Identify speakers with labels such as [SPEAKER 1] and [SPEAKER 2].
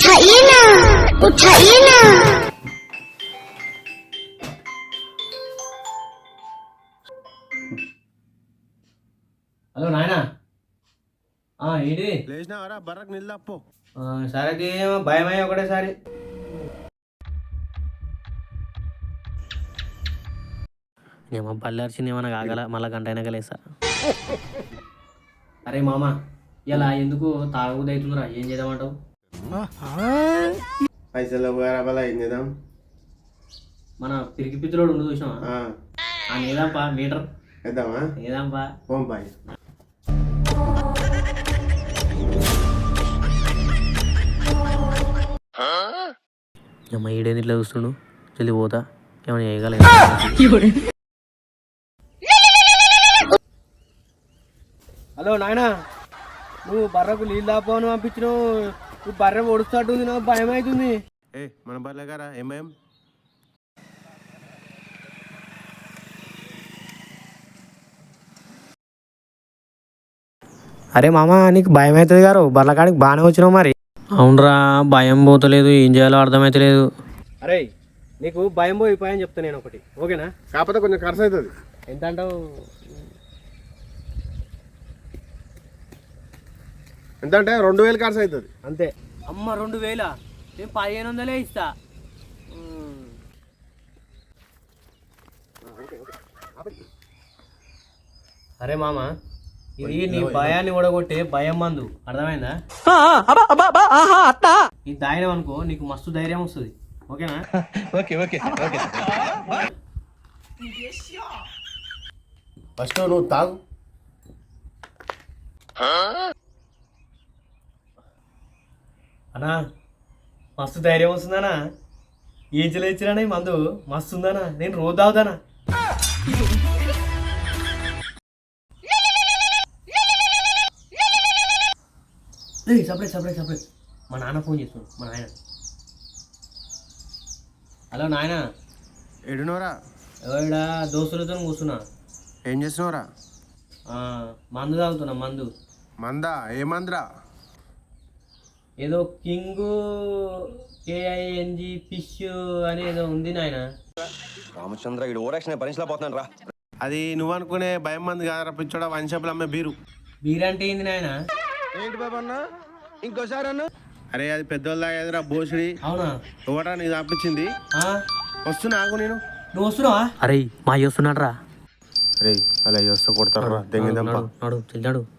[SPEAKER 1] उठाइए ना, उठाइए ना।
[SPEAKER 2] హలో నాయనా ఏంటి
[SPEAKER 3] లేచినావరా బర్రకు నిల్దప్పో
[SPEAKER 2] సరేకి భయమయ్య ఒకటేసారి
[SPEAKER 4] ఏమో బల్లార్చింది ఏమన్నా కాగల మళ్ళా గంట అయినా కలిసా.
[SPEAKER 2] అరే మామ ఇలా ఎందుకు తాగుబోతు అవుతుందిరా, ఏం చేద్దామంటావు?
[SPEAKER 3] పైసలు బరాబలా ఏం చేద్దాం?
[SPEAKER 2] మన పిరికి పిత్తులోడు ఉండు చూసినావా, ఆ నేదాంపా మీటర్
[SPEAKER 3] వేద్దామా?
[SPEAKER 2] నేదాంపా
[SPEAKER 3] పోం బాయ్.
[SPEAKER 4] అమ్మ ఈడేది ఇట్లా చూస్తుండు, జల్ది పోతా ఏమైనా చేయగల.
[SPEAKER 2] హలో నాయనా, నువ్వు బర్రకు నీళ్ళు దాపోను పంపించినావు, నువ్వు బర్రె ఒడుస్తాటుంది, నాకు భయం అవుతుంది.
[SPEAKER 3] ఏ మన బర్లే గారా ఏం భయం?
[SPEAKER 4] అరే మామ నీకు భయం అవుతుంది గారు, బర్లకాడికి బాగానే వచ్చినావు మరి. అవునరా భయం పోతలేదు, ఏం చేయాలో అర్థమైతలేదు.
[SPEAKER 2] అరే నీకు భయం పోయి భయం చెప్తా నేను ఒకటి, ఓకేనా?
[SPEAKER 3] కాకపోతే కొంచెం ఖర్చు అవుతుంది.
[SPEAKER 2] ఎంత అంటావు?
[SPEAKER 3] ఎంత అంటే 2000 ఖర్చు అవుతుంది
[SPEAKER 2] అంతే. అమ్మ 2000? నేను 1500 ఇస్తా. అరే మామ, ఇది నీ భయాన్ని ఓడగొట్టే భయం మందు, అర్థమైందా? ఇది తాగినాం అనుకో నీకు మస్తు ధైర్యం వస్తుంది, ఓకేనా?
[SPEAKER 3] ఫస్ట్ నువ్వు తాగు.
[SPEAKER 2] అన్నా మస్తు ధైర్యం వస్తుందనా, ఏం చెల్లించినా ఈ మందు మస్తు ఉందనా, నేను రోజు తాగుతానా. సపరేట్ సపరేట్ సపరేట్, మా నాన్న ఫోన్ చేస్తున్నాడు, మా నాయన. హలో నాయన.
[SPEAKER 3] ఎడునోరా?
[SPEAKER 2] ఎవడా దోస్తులతో కూర్చున్నా.
[SPEAKER 3] ఏం చేస్తున్నావురా?
[SPEAKER 2] మందు తాగుతున్నా. మందు
[SPEAKER 3] మందా? ఏ మందురా?
[SPEAKER 2] ఏదో కింగ్ KING ఫిష్ అని ఏదో ఉంది నాయన.
[SPEAKER 5] రామచంద్ర ఇడు ఓరాక్షన్ భరించలేకపోతున్నాను రా.
[SPEAKER 3] అది నువ్వు అనుకునే భయం మంది కాదరా పిచ్చోడా, వన్ షాపులు అమ్మే బీరు.
[SPEAKER 2] బీరంటే ఏంది నాయన?
[SPEAKER 3] ఏంటి బాబు అన్న ఇంకోసారి అన్న? అరే అది పెద్దోళ్ళు తాగేదిరా బోసుడి.
[SPEAKER 2] అవునా?
[SPEAKER 3] ఎవరా నీ తప్పించింది? వస్తున్నా ఆగు నేను.
[SPEAKER 2] నువ్వు వస్తున్నావా?
[SPEAKER 4] అరే మా వస్తున్నాడు రా.
[SPEAKER 3] అరే అలా వస్తే కొడతారా దెంగి
[SPEAKER 4] నాడు చెల్లాడు.